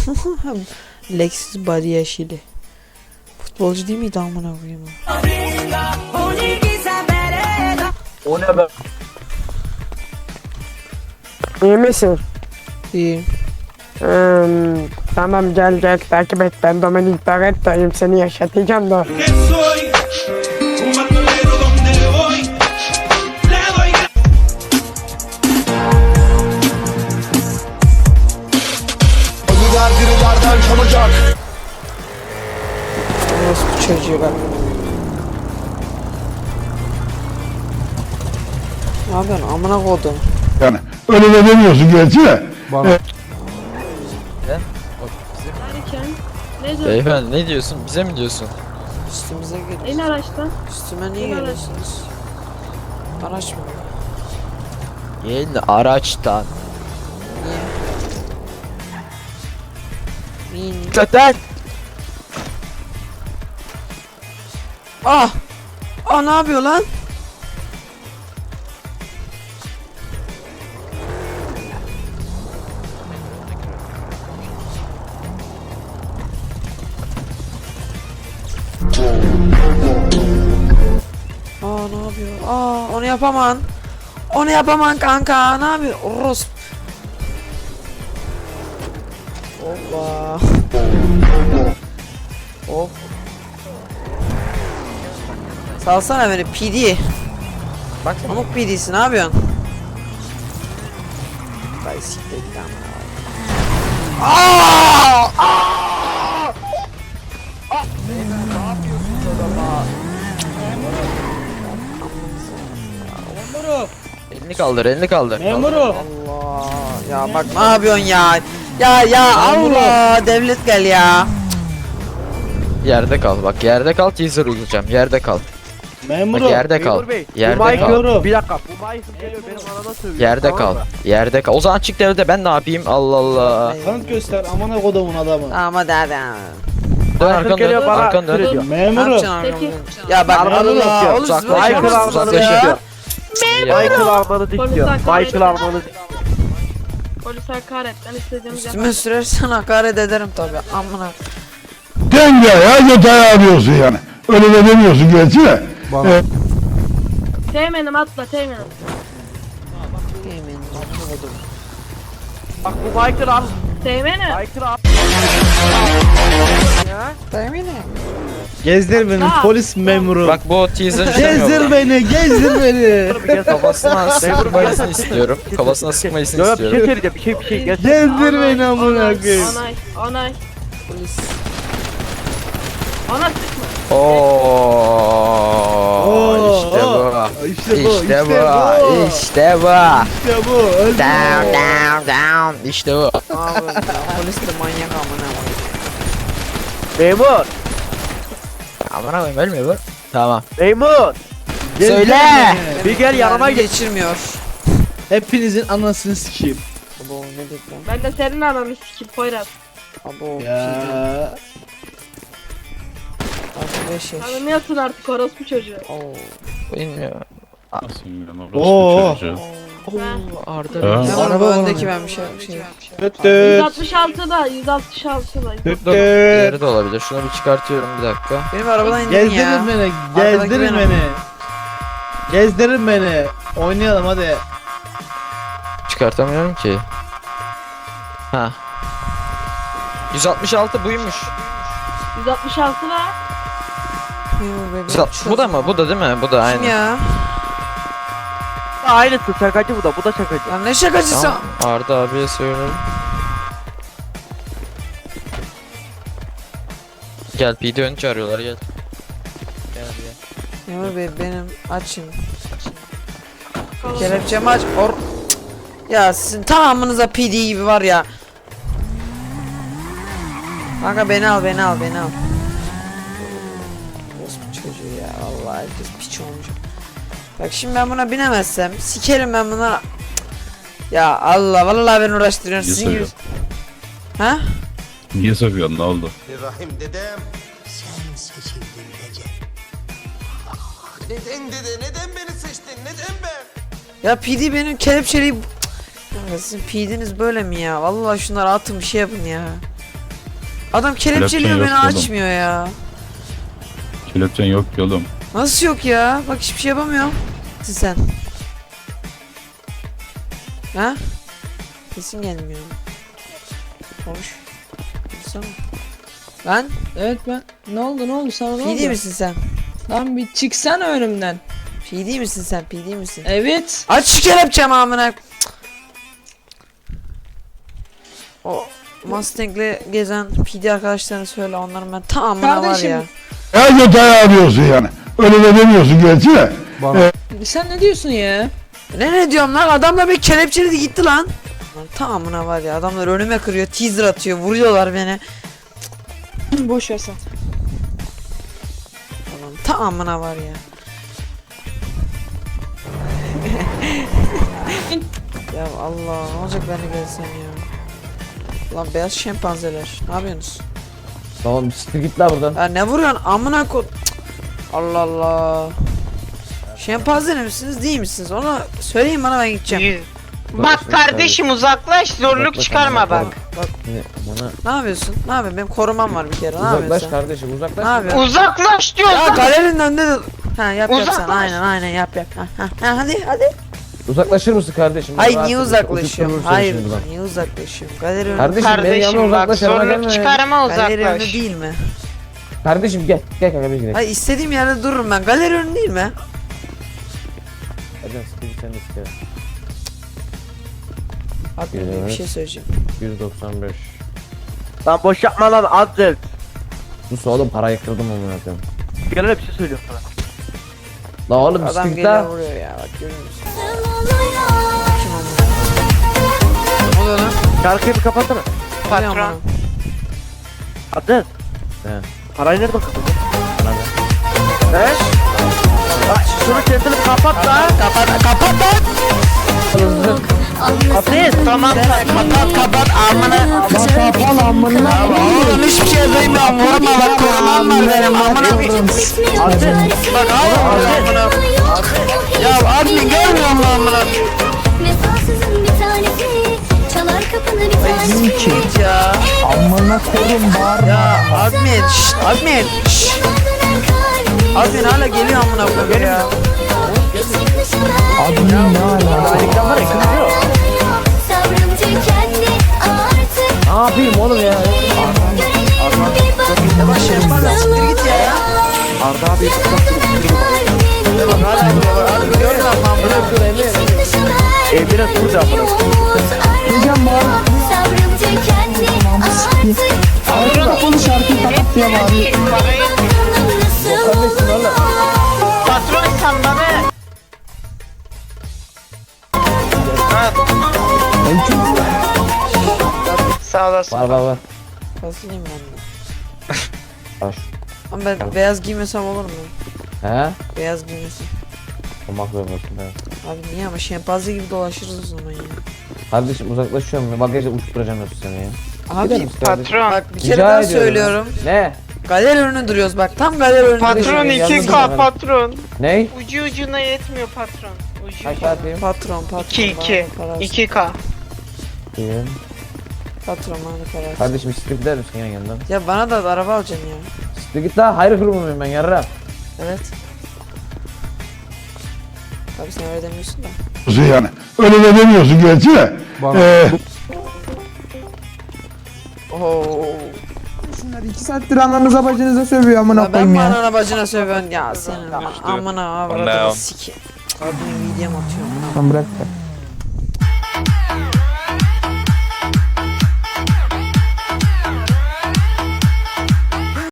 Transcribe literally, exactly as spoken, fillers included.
Lexus body yeşili. Futbolcu değil miydi amına koyayım? O ne be? İyi misin? İyi. Hmm, tamam gel gel takip et, ben Dominik Barretto'yum, seni yaşatacağım da. Birilerden çalacak. Nasıl bu çocuğu bak. Ne yapıyorsun amına koydum? Yani öyle de demiyorsun gerçi de. Bana. Evet. Derken ne diyorsun? Beyefendi ne diyorsun? Bize mi diyorsun? Üstümüze En geliyor. araçtan. Üstüme niye en araç. geliyorsunuz? Araç mı? Gelin araçtan. Niye? Niye? Zaten. Ah! Ah ne yapıyor lan? Aa ne yapıyor? Aa onu yapaman. Onu yapaman kanka. Ne yapıyor? Oros. Hoppa. Hop. Salsana beni P D. Bak Pamuk P D'si ne yapıyorsun? Vay siktir git ama. Aa! elini kaldır, elini kaldır. Memuru. Allah ya bak ne yapıyorsun ya? Ya ya Allah devlet gel ya. Yerde kal. Bak yerde kal, teaser uygulayacağım. Yerde kal. Memuru. Bak yerde kal. Memur Bey. Yerde bu mic kal. yorum. Bir dakika. Bu mic geliyor benim arada söylüyor. Yerde tamam kal. mı? Yerde kal. O zaman çık devrede ben ne yapayım? Allah Allah. Kanıt göster amına kodumun adamı. Tamam hadi hadi. Dön arkanı geliyor dön. bana Arkanı dön. sürüyor. Ne Memuru. yapacaksın arkamdan? Peki. Ya bak Arkamdan Allah bakıyor. oğlum siz Uzaklaş, böyle Michael yapamazsınız almanı ya. dikiyor. Ya. Michael almanı dikiyor. hakaret Michael almanı dikiyor. Polis hakaretten istediğimiz Üstüme sürersen hakaret ederim tabi amına. Denge ya yatağı arıyorsun yani. Öyle de demiyorsun gerçi de. Bana. Evet. Teğmenim atla teğmenim. Yemin olsun. Bak bu Michael al. Teğmenim. Michael al. Yemin Gezdir beni Atla. polis memuru. Bak bu teaser Gezdir beni, gezdir beni. Kafasına sıkmasını istiyorum. Kafasına sıkmasını Yok yok bir şey istiyorum. söyleyeceğim, bir şey bir şey gel. Gezdir beni amına koyayım. Onay. Onay. polis. Ona sıkma. Oo, Oo, işte bu. oo. İşte bu, İşte işte bu. bu. İşte bu. İşte bu. öldü Down bu. down down. İşte bu. Ne yapıyorsun ya? Polis de manyak amına koyayım. Memur. Aman koyayım ölmüyor bu. Tamam. Memur. Gezdir Söyle. beni. Bir gel yanıma Mermi geç. geçirmiyor. Hepinizin anasını sikeyim. Abo ne dedik lan? Ben de senin ananı sikip Poyraz. Abo. Ya. Artı beş yaş. Tanımıyorsun artık orospu çocuğu. Oo. Bilmiyorum. Oo. Oo, Arda. Ha? Ne var bu Araba öndeki var. ben bir şey bir şey. Tüt tüt. yüz altmış altıda yüz altmış altıda. Tüt Dur. tüt. Diğeri de olabilir. Şunu bir çıkartıyorum bir dakika. Benim arabadan indin ya. Gezdirin beni, Arkadaki gezdirin benim. beni. Gezdirin beni. Oynayalım hadi. Çıkartamıyorum ki. Ha. yüz altmış altı buymuş. yüz altmış altıda. Memur bey, yüz altmış Bu da mı? Bu da değil mi? Bu da Kim aynı. ya? Aynısı şakacı bu da, bu da şakacı. Ya ne şakacısı? Tamam. Arda abiye söylerim. Gel P D ön çağırıyorlar gel. Gel gel. Memur bey benim açın. Kelepçemi aç. Or ya sizin tamamınıza P D gibi var ya. Kanka beni al beni al beni al. Orospu çocuğu ya vallahi herkes piç olmuş. Bak şimdi ben buna binemezsem sikerim ben bunlara. Cık. Ya Allah vallahi beni uğraştırıyorsun. Niye Sizin gibi. soruyorsun? Ha? Niye soruyorsun, ne oldu? Rahim dedem. Sen seçildin Recep. Neden dede? Neden beni seçtin? Neden ben? Ya P D benim kelepçeliği. Cık. Kanka sizin P D'niz böyle mi ya? Vallahi şunları atın bir şey yapın ya. Adam kelepçeliyor Kelepçen beni yok oğlum. açmıyor ya. Kelepçen yok ki oğlum. Nasıl yok ya? Bak hiçbir şey yapamıyorum. Sen. Ha? Sesin gelmiyor. Konuş. Konuşsana. Lan Evet ben. Ne oldu ne oldu sana ne oldu? P D misin sen? Lan bir çıksana önümden. P D misin sen? P D misin? Evet. Aç şu kelepçemi amına. Cık. O Mustang'le gezen P D arkadaşlarına söyle, onların ben tamamına var Kardeşim. ya. Her detayı arıyorsun yani. Öyle de demiyorsun gerçi de. Bana. Sen ne diyorsun ya? Ne ne diyorum lan, adamla bir kelepçeledi gitti lan. Lan tamamına var ya, adamlar önüme kırıyor, teaser atıyor, vuruyorlar beni. Boş ver sen. Adam tamamına var ya. Ya Allah, ne olacak ben de gelsem ya. Lan beyaz şempanzeler, ne yapıyorsunuz? Tamam siktir git la buradan. Ya ne vuruyorsun amına ko... Cık. Allah Allah. Şempanze misiniz değil misiniz? Onu söyleyin bana, ben gideceğim. Bak kardeşim uzaklaş, zorluk çıkarma bak. Bana Ne yapıyorsun? Ne yapıyorsun? Benim korumam var bir kere. Ne yapıyorsun uzaklaş sen? kardeşim uzaklaş. Ne yapıyorsun? Uzaklaş Ya diyorsun. galerinin önünde de... Ha yap yap sen. Uzaklaş. Aynen aynen yap yap. Ha, ha, ha, hadi hadi. Uzaklaşır mısın kardeşim? Hayır Rahat niye ol, uzaklaşıyorum? oturturur seni Hayır şimdi buradan. niye uzaklaşıyorum? Galeri önü... Kardeşim, benim yanıma uzaklaş. yanıma gelme. Galeri önü değil mi? Kardeşim gel gel kanka biz gidelim. Hayır istediğim yerde dururum ben. Galeri önü değil mi? Hadi siktir git sen de siktir. Abi bir şey söyleyeceğim. yüz doksan beş. Lan boş yapma lan azıcık. Sus oğlum, parayı kırdım amına koyayım. Gel öyle bir şey söylüyorum sana. La oğlum Adam siktir geliyor la. vuruyor ya, bak görüyor musun? Kim o? Ne oluyor lan? Şarkıyı bir kapatsana. Patron. Aziz. He. Parayı nerede kapatın? He? Bak şunu kendini kapat da. Kapat kapat lan. Aziz. Tamam kapat kapat amına. Oğlum hiçbir şey duymuyorum. Vurma bak, korumam var benim. Amına bir... Bak hala vuruyor amına. Ya admin görmüyor musun amına? Vefasızın bir tanesi çalar kapını bir tanesi. Git ya. Amına koyayım bağırma. Ya admin şşt admin şşt. Admin hala geliyor amına koyayım ya. Admin ne ala? Sabrım tükendi artık. Ne yapayım oğlum ya? Yavaş yapma lan, siktir git ya. Arda abi. Bak hala vuruyor. Hadi gördün ama amına koyayım. Evine tur da yapalım. Sabrım tükendi artık. Kapalı şarkıyı kapat ya abi. Kardeşim valla. Patron sen bana. Sağ olasın. Var var var. Fazlayayım ben de. Baş. Ama ben beyaz giymesem olur mu? He? Beyaz giymesem. Olmak zorundasın he. Abi niye ama şempanze gibi dolaşırız o zaman ya. Kardeşim uzaklaşıyorum ya. Bagajla uçturacağım yoksa seni ya. Gider Abi misin kardeşim? Patron. bak bir Rica kere daha ediyorum söylüyorum. Ne? Galeri önüne duruyoruz bak, tam galeri önünde. Patron Kardeşim, iki yalnız K bırakın. patron. Ney? Ucu ucuna yetmiyor patron. Ucu Kaç ucuna. saatiyim? Patron patron. iki iki. bana parası. iki K. İyi. Patron bana parası. Kardeşim siktir gider misin ya yanından? Ya bana da araba alacaksın ya. Siktir git la, hayır kurumuyum ben yarra. Evet. Abi sen öyle demiyorsun da. Yani. Öyle de demiyorsun gerçi de. Ee, Oo. iki saattir ananıza bacınıza sövüyor amına Ya ben koyayım ya. bana bacına sövüyorsun ya senin. Amına avradını siki. Adını videom atıyorum. Tamam bırak.